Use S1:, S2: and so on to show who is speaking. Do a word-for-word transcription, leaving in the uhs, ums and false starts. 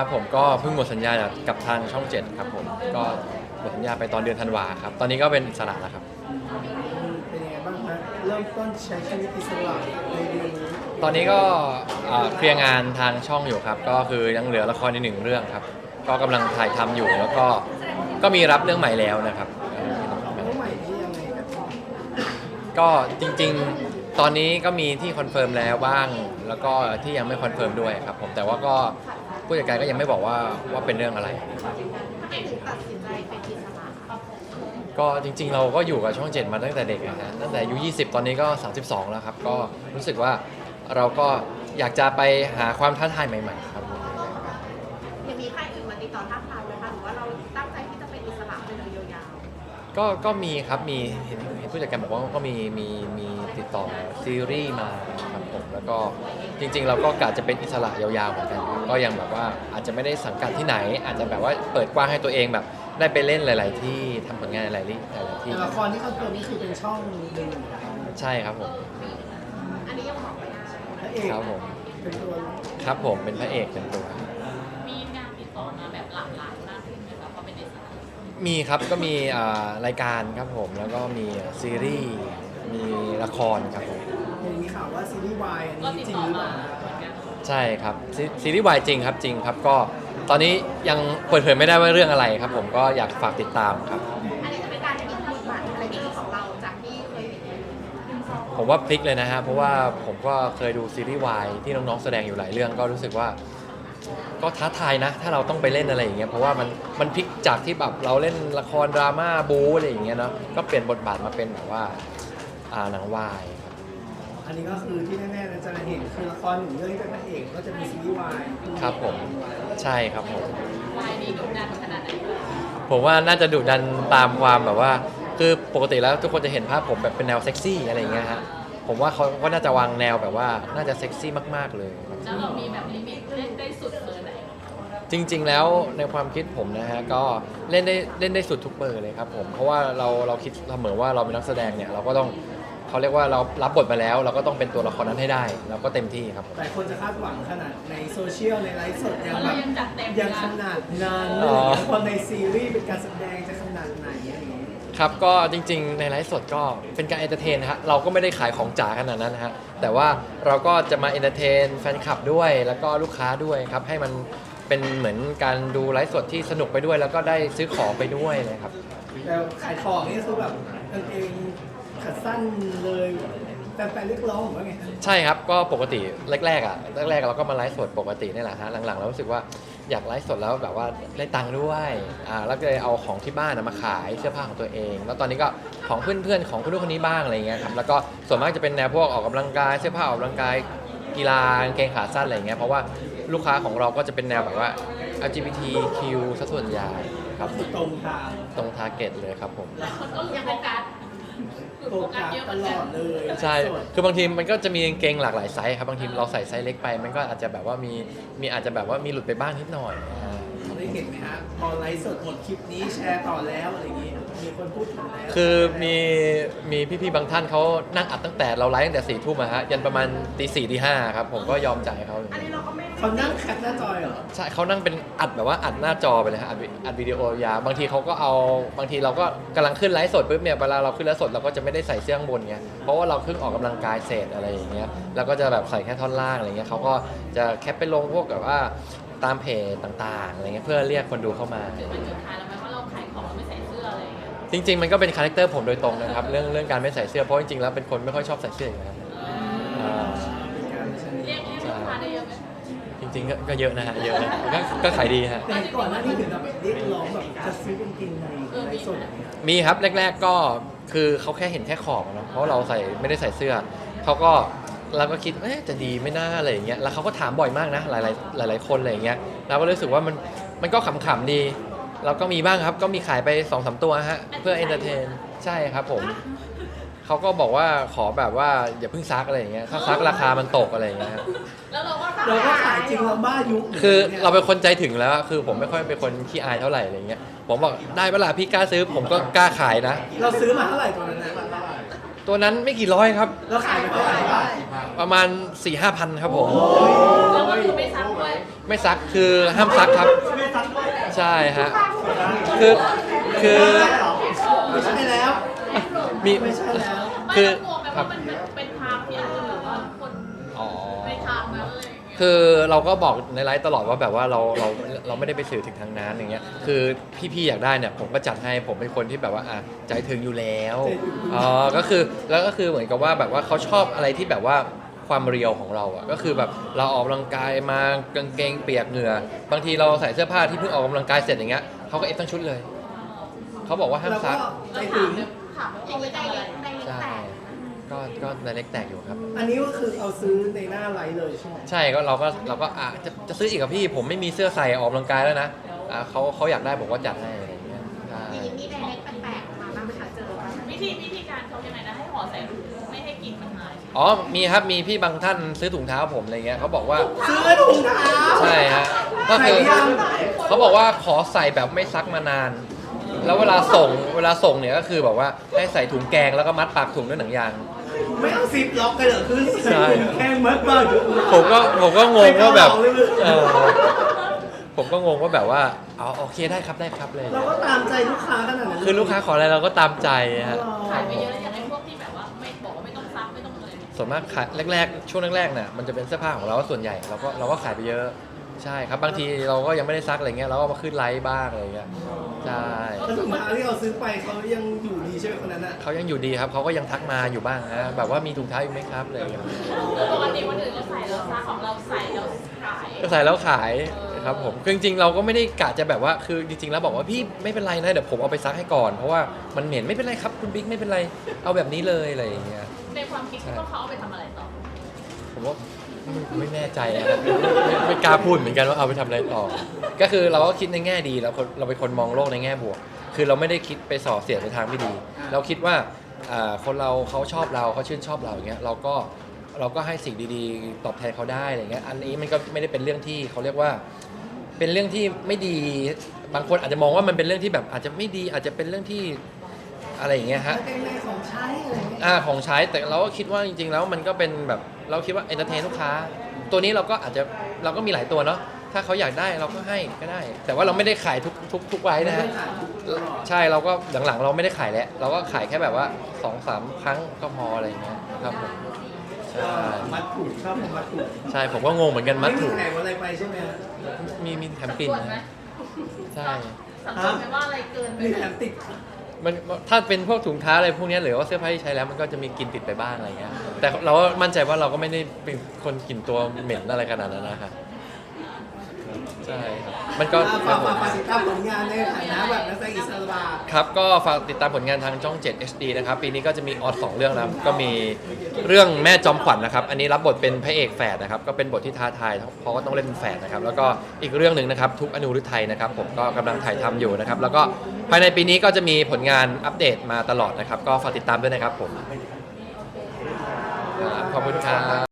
S1: ครับผมก็เพิ่งหมดสัญญากับทางช่องเจ็ดครับผมก็หมดสัญญาไปตอนเดือนธันวาครับตอนนี้ก็เป็นอิสระแล้วครับ
S2: เป็นยังไงบ้างฮะเริ่มต้นใช้ชีวิตอิสระในเดือนนี้
S1: ตอนนี้ก็เอ่อเคลียร์งานทางช่องอยู่ครับก็คือยังเหลือละครอีกหนึ่งเรื่องครับก็กำลังถ่ายทำอยู่แล้วก็ก็มีรับเรื่องใหม่แล้วนะครับเอ่อ
S2: เรื่องใหม่ที่ยังไงครับ
S1: ก็จริงๆ ตอนนี้ก็มีที่คอนเฟิร์มแล้วบ้าง แล้วก็ที่ยังไม่คอนเฟิร์มด้วยครับผมแต่ว่าก็ผู้จัดการก็ยังไม่บอกว่าว่าเป็นเรื่องอะไร
S3: เอกตัดสินใจเป็นอิสระ
S1: ก็จริงๆเราก็อยู่กับช่องเจ็ดมาตั้งแต่เด็กนะฮะตั้งแต่อายุยี่สิบตอนนี้ก็สามสิบสองแล้วครับก็รู้สึกว่าเราก็อยากจะไปหาความท้าทายใหม่ๆครับผม
S3: ยังมีค่ายอื่นมาติดต่อท้าทายไหมคะหรือว่าเราตั้งใจที่จะเป็นอิสระไปเลยยาว
S1: ก็ก็มีครับมีเห็นเห็นผู้จัดการบอกว่าก็มีมีมีติดต่อซีรีส์มาครับผมแล้วก็จริงๆ เราก็กะจะเป็นอิสระยาวๆเหมือนกันครับก็ยังแบบว่าอาจจะไม่ได้สังกัดที่ไหน อาจจะแบบว่าเปิดกว้างให้ตัวเองแบบได้ไปเล่นหลาย ๆ ที่ทำผลงานหลายๆที่หลายๆที่
S2: แต่ละครที่เขาเกิดนี่คือเป็นช่องหนึ่ง
S1: ใช่ครับผม
S3: ๆอันนี้ยังบอกไม่ได้
S2: พระเอก
S1: ครับผม
S2: เป็นตัว
S1: ครับผมเป็นพระเอกเป็นตัว
S3: มีงานติดต่อมาแบบหลากหลายมากขึ้นไหมคะเพราะเป็นอิสระ
S1: มีครับก็มีอ่ารายการครับผมแล้วก็มีซีรีส์มีละครครับผม
S2: เห็นมีข่าวว่าซีรีส์วายอัน
S3: ก็
S2: นี้
S3: ติด
S2: จริง
S3: ต่อ
S2: หรือเป
S3: มา
S2: ล่า
S3: เหมือนกัน
S1: ใช่ครับซีซีรีส์วายจริงครับจริงครับก็ตอนนี้ยังเปิดเผยไม่ได้ว่าเรื่องอะไรครับผมก็อยากฝากติดตามครับ
S3: อันนี้จะเป็นการที่บทบาทอะไรที่ของเราจากที่เคยเห็นในดึงซอง
S1: ผมว่าพลิกเลยนะฮะเพราะว่าผมก็เคยดูซีรีส์วายที่น้องๆแสดงอยู่หลายเรื่องก็รู้สึกว่า ก็ท้าทายนะ ถ้าเราต้องไปเล่นอะไรอย่างเงี้ยเพราะว่ามันมันพลิกจากที่แบบเราเล่นละครดราม่าบู๊อะไรอย่างเงี้ยเนาะก็เปลี่ยนบทบาทมาเป็นแบบว่าอ่าหนังวายครับ
S2: อันนี้ก็คือที่แน่ๆเราจะเห็นคือละครหนึ่งเรื่องที่เป็นพระเอกก็จะมีซีรีส์วาย
S1: ครับผมใช่ครับผม
S3: วายนี้ดุดันขนาดไหน
S1: ผมว่าน่าจะดุดันตามความแบบว่า คือปกติแล้วทุกคนจะเห็นภาพผมแบบเป็นแนวเซ็กซี่อะไรอย่างเงี้ยฮะผมว่าเขาก็น่าจะวางแนวแบบว่าน่าจะเซ็กซี่มากๆเลยครับ
S3: แล้วเรามีแบบลิมิตเล่นได้สุดเบอร์ไหน
S1: จริงๆ แล้วในความคิดผมนะฮะก็เล่นได้เล่นได้สุดทุกเบอร์เลยครับผมเพราะว่าเราเราคิดเสมอว่าเราเป็นนักแสดงเนี่ยเราก็ต้องเขาเรียกว่าเรารับบทมาแล้ว เราก็ต้องเป็นตัวละครนั้นให้ได้เราก็เต็มที่ครับผม
S2: แต่คนจะคาดหวังขนาดในโซเชียลในไลฟ์สดยัง
S3: เรา
S2: แบบ
S3: ยังจัดเต็ม
S2: ยังขนาดนั้นเล
S1: อ๋อ
S2: ยพอในซีรีส์เป็นการแสดงจะขนาดไหนอะไรอย่างเงี้ย
S1: ครับก็จริงๆ ในไลฟ์สดก็เป็นการเอนเตอร์เทนนะฮะเราก็ไม่ได้ขายของจ๋าขนาดนั้นนะฮะแต่ว่าเราก็จะมาเอนเตอร์เทนแฟนคลับด้วยแล้วก็ลูกค้าด้วยครับให้มันเป็นเหมือนการดูไลฟ์สดที่สนุกไปด้วย แล้วก็ได้ซื้อของไปด้วยเลยครับ
S2: แต่ขายของนี่คือแบบกางเกงขาสั้นเลยแฟนๆเรียกร้องหรือว่าไงครับ
S1: ใช่ครับก็ปกติแรกๆอ่ะแรกๆเราก็มาไลฟ์สดปกตินี่แหละฮะหลังๆเรารู้สึกว่าอยากไลฟ์สดแล้วแบบว่าได้ตังค์ด้วยอ่าแล้วก็เลยเอาของที่บ้านนะมาขายเสื้อผ้าของตัวเอง แล้วตอนนี้ก็ของเพื่อนๆของคนนู้นคนนี้บ้างอะไรเงี้ยครับแล้วก็ส่วนมากจะเป็นแนวพวกออกกำลังกายเสื้อผ้าออกกำลังกายกีฬากางเกงขาสั้นอะไรเงี้ยเพราะว่าลูกค้าของเราก็จะเป็นแนวแบบว่า แอล จี บี ที คิว ซะส่วนใหญ่ครับ
S2: คือตรงทาง
S1: ตรงทาร์เก็ตเลยครับผม
S3: คนก็ยังโฟกัส
S2: โฟกัสตลอดเลย
S1: ใช่
S2: สด
S1: คือบางทีมันก็จะมีกางเกงหลากหลายไซส์ครับ บางทีเราใส่ไซส์เล็กไป มันก็อาจจะแบบว่ามี มีอาจจะแบบว่ามีหลุดไปบ้างนิดหน่อยอ่า
S2: ได้เห็นไหมฮะพอไลฟ์สดหมดคลิปนี้แชร์ต่อแล้วอะไรอย่างงี้มีคนพูดถึงแล้ว
S1: คือมีมีพี่ๆบางท่านเขานั่งอัดตั้งแต่เราไลฟ์ตั้งแต่สี่ทุ่มอะฮะยันประมาณตีสี่ตีห้าครับผมก็ยอมจ่ายเขา
S3: อันนี้เราก็ไม่
S2: เขานั่งแคปหน้าจอยเหรอ
S1: ใช่เขานั่งเป็นอัดแบบว่าอัดหน้าจอไปเลยฮะอัดวิอัดวิดีโอยาวบางทีเขาก็เอาบางทีเราก็กำลังขึ้นไลฟ์สดปุ๊บเนี่ยเวลาเราขึ้นไลฟ์สดเราก็จะไม่ได้ใส่เสื้อข้างบนไงเพราะว่าเราเพิ่งออกกำลังกายเสร็จอะไรอย่างเงี้ยแล้วก็จะแบบใส่แค่ท่อนล่างอะไรเงี้ยเขาก็จะแคปไปลงพวกแบบว่าตามเพจต่างๆอะไรเงี้ยเพื่อเรียกคนดูเข้ามา
S3: เป็นจุดท้ายแล้วไหมว่าเราขายของเราไม่ใส่เสื้ออะไรอย่างเงี้ย
S1: จริง ๆ มันก็เป็นคาแรคเตอร์ผมโดยตรงนะครับเรื่องเรื่องการไม่ใส่เสื้อเพราะจริงๆแล้วเป็นคนไม่ค่อยชอบใส่เสื้ออยู่แล้วอ่า
S2: เป็นการชนิด
S3: เรียกเรียกลูกค้าได้เยอะไหม
S1: จริงๆก็ก็เยอะนะฮะเยอะนะก็ก็ขายดีฮะ
S2: แต่ก่อนหน้านี้ถึงแบบเรียกร้องแบบจะซื้อกางเกงในไลฟ์สดอย่างเงี้ย
S1: มีครับแรก ๆก็คือเขาแค่เห็นแค่ขอบอะเนาะเพราะเราใส่ไม่ได้ใส่เสื้อเขาก็เราก็คิดเอ๊ะจะดีไม่น่าอะไรอย่างเงี้ยแล้วเขาก็ถามบ่อยมากนะหลายๆหลาย ๆคนอะไรอย่างเงี้ยเราก็รู้สึกว่ามันมันก็ขำๆดีเราก็มีบ้างครับก็มีขายไปสองสามตัวฮะเพื่อเอนเตอร์เทนใช่ครับผมเขาก็บอกว่าขอแบบว่าอย่าเพิ่งซักอะไรอย่างเงี้ยถ้าซักราคามันตกอะไรอย่างเงี้ยครับ
S3: แล้วเราก็
S2: เราก็ขายจริงเราบ้ายุค
S1: คือ
S2: นี่ย
S1: เราเป็นคนใจถึงแล้วอะคือผมไม่ค่อยเป็นคนขี้อายเท่าไหร่อะไรเงี้ยผมบอกได้เวลาพี่กล้าซื้อผมก็กล้าขายนะ
S2: เราซื้อมาเท่าไหร่ตอนนั้นนะ
S1: ตัวนั้นไม่กี่ร้อยครับ
S2: เราขายไปเท่าไหร่
S1: เอประมาณ สี่ห้าพันครับผม
S3: แล้วก็คือไม่ซักด้วย
S1: ไม่ซักคือห้ามซักครับ
S2: ไม่ซักด้วย
S1: ใช่ฮะคือคือ
S2: ไม่ใช่แล้ว
S1: มี
S2: ไม่ใช่แล้ว
S3: ไม่
S1: คือ
S3: ต้องกลัวไหม
S1: ครั
S3: ว่า
S1: บ
S3: มันเป็นทางที่อาจจะแบบว่าคน
S1: อ๋อ
S3: ในทางนั้นอะไรอย่างเงี้ย
S1: คือเราก็บอกในไลฟ์ตลอดว่าแบบว่าเราเราเราไม่ได้ไปสื่อถึงทางนั้นอย่างเงี้ยคือพี่ๆอยากได้เนี่ยผมก็จัดให้ผมเป็นคนที่แบบว่าอ่ะใจถึงอยู่แล้วอ๋อก็คือแล้วก็คือเหมือนกับว่าแบบว่าเขาชอบอะไรที่แบบว่าความเรียวของเราอ่ะก็คือแบบเราออกกำลังกายมากางเกงเปียกเหงื่อบางทีเราใส่เสื้อผ้าที่เพิ่งออกกำลังกายเสร็จอย่างเงี้ยเขาก็เอฟทั้งชุดเลยเขาบอกว่าห้าม
S2: แล้วก็
S1: ซัก
S2: ใจถึง
S3: ถามว่าเอาไว้ได้เล็กได้เล็ก
S1: ใช่
S3: แต่
S1: ก็ก็ในเล็กแตกอยู่ครับ
S2: อันนี้ก็คือเอาซื้อในหน้าไลฟ์เลยใช่ไหม
S1: ใช่ก็เราก็เราก็อ่ะจะจะซื้ออีกกับพี่ผมไม่มีเสื้อใส่ออกกำลังกายแล้วนะอ่ะเขาเขาอยากได้ผมก็จัดให้อะไรอย่างเงี้ยใช่
S3: มีมีไดเล็กแปลกๆมาบ้างไหมคะเจอบ้างไหม
S4: วิธีวิธีการเขายังไงนะให้ห่อใส่ถุงไม่ให้กลิ่นมันหาย
S1: อ๋อมีครับมีพี่บางท่านซื้อถุงเท้าผมอะไรเงี้ยเขาบอกว่า
S2: ซื้อถุงเท้า
S1: ใช่ฮะก็คือ
S2: ใส่ยัง
S1: เขาบอกว่าขอใส่แบบไม่ซักมานาน แล้วเวลาส่งเวลาส่งเนี่ยก็คือแบบว่าให้ใส่ถุงแกงแล้วก็มัดปากถุงด้วยหนังยาง
S2: ไม่เอาซิปล็อกกันเหรอคือ
S1: ใช่
S2: แค่มัดบ้าง
S1: ผมก็ผมก็งงว่าแบบ
S2: ไม่เกาเหลาเลย
S1: เออผมก็งงว่าแบบว่าอ๋อโอเคได้ครับได้ครับเลย
S2: เราก็ตามใจลูกค้าขนาดนั้น
S1: คือลูกค้าขออะไรเราก็ตามใจฮะ
S4: ขายไปเยอะอย่างไอ้พวกที่แบบว่าไม่บอกว่าไม่ต้องซักไม่ต้องอะไรเนี่ย
S1: ส่วนมากขายแรกๆช่วงแรกๆเนี่ยมันจะเป็นเสื้อผ้าของเราส่วนใหญ่เราก็เราก็ขายไปเยอะใช่ครับบางทีเราก็ยังไม่ได้ซักอะไรเงี้ยเราก็มาขึ้นไลฟ์บ้างอะไรเงี้ยใช่
S2: แล้วถุงเท้าที่เราซื้อไปเขายังอยู่ดีใช่ไหมคนนั้นอ่ะ
S1: เขายังอยู่ดีครับเขาก็ยังทักมาอยู่บ้างฮะแบบว่ามีถุงเท้าอยู่ไหมครับอะไรเงี้ย
S4: ปกติคนอื่นเราใส่เราซักของเราใส่เราขาย
S1: ก็ใส่แล้วขายครับผมคือจริงๆเราก็ไม่ได้กะจะแบบว่าคือจริงๆแล้วบอกว่าพี่ไม่เป็นไรนะเดี๋ยวผมเอาไปซักให้ก่อนเพราะว่ามันเหม็นไม่เป็นไรครับคุณบิ๊กไม่เป็นไรเอาแบบนี้เลยอะไรอย่างเงี้ย
S4: ในความคิดคิดว่าเขาเอาไปทำอะไรต่อ
S1: ผมว่าไม่ไม่แน่ใจอะครับไม่ไม่กล้าพูดเหมือนกันว่าเอาไปทำอะไรต่อ ก็คือเราก็คิดในแง่ดีแล้วคนเราเป็นคนมองโลกในแง่บวก คือเราไม่ได้คิดไปส่อเสียดในทางไม่ดี เราคิดว่าอ่าคนเราเขาชอบเราเขาชื่นชอบเราอย่างเงี้ยเราก็เราก็ให้สิ่งดีๆ ตอบแทนเขาได้อะไรเงี้ยอันนี้มันก็ไม่ได้เป็นเรื่องที่เขาเรียกว่า เป็นเรื่องที่ไม่ดีบางคนอาจจะมองว่ามันเป็นเรื่องที่แบบอาจจะไม่ดีอาจจะเป็นเรื่องที่อะไรอย่างเงี้ยฮะ
S2: กางเกงในของใช้อะไรเงี้ย
S1: อ่าของใช้แต่เราก็คิดว่าจริงๆแล้วมันก็เป็นแบบเราคิดว่าเอนเตอร์เทนลูกค้า ตัวนี้เราก็อาจจะเราก็มีหลายตัวเนาะถ้าเขาอยากได้เราก็ให้ก็ได้ แต่ว่าเราไม่ได้ขายทุกทุกทุกไว้นะฮะใช่เราก็หลังๆเราไม่ได้ขายแล้วเราก็ขายแค่แบบว่าสองสามครั้งก็พออะไรอย่างเงี้ยครับผมใช่
S2: มัดถูกชอบมัดถูก
S1: ใช่ผมก็งงเหมือนกันมัดถูก
S2: ไแถมอะไรไปใช่ไหมฮะ
S1: มีมีแถมกลิ่น
S4: สัดส่วนไหม
S1: นะใช่
S4: สังเกตไหมว่าอะไรเกินไป
S2: มี
S4: ไหม
S2: แถมติด
S1: มันถ้าเป็นพวกถุงเท้าอะไรพวกเนี้ยหรือว่าเสื้อผ้าที่ใช้แล้วมันก็จะมีกลิ่นติดไปบ้างอะไรเงี้ยแต่เราก็มั่นใจว่าเราก็ไม่ได้เป็นคนกลิ่นตัวเหม็นอะไรขนาดนั้นนะครับใช่ครับมันก็
S2: ฝากฝากฝากติดตามผลงานในฐานะแบบนักแสดงอิสระ
S1: ครับก็ฝากติดตามผลงานทางช่อง เจ็ด เอช ดี นะครับปีนี้ก็จะมีออดสองเรื่องนะครับก็มีเรื่องแม่จอมขวัญนะครับอันนี้รับบทเป็นพระเอกแฝดนะครับก็เป็นบทที่ท้าทายเพราะว่าต้องเล่นเป็นแฝดนะครับแล้วก็อีกเรื่องหนึ่งนะครับทุกอนุรุทัยนะครับผมก็กำลังถ่ายทำอยู่นะครับแล้วก็ภายในปีนี้ก็จะมีผลงานอัปเดตมาตลอดนะครับก็ฝากติดตามด้วยนะครับผมครับขอบคุณครับ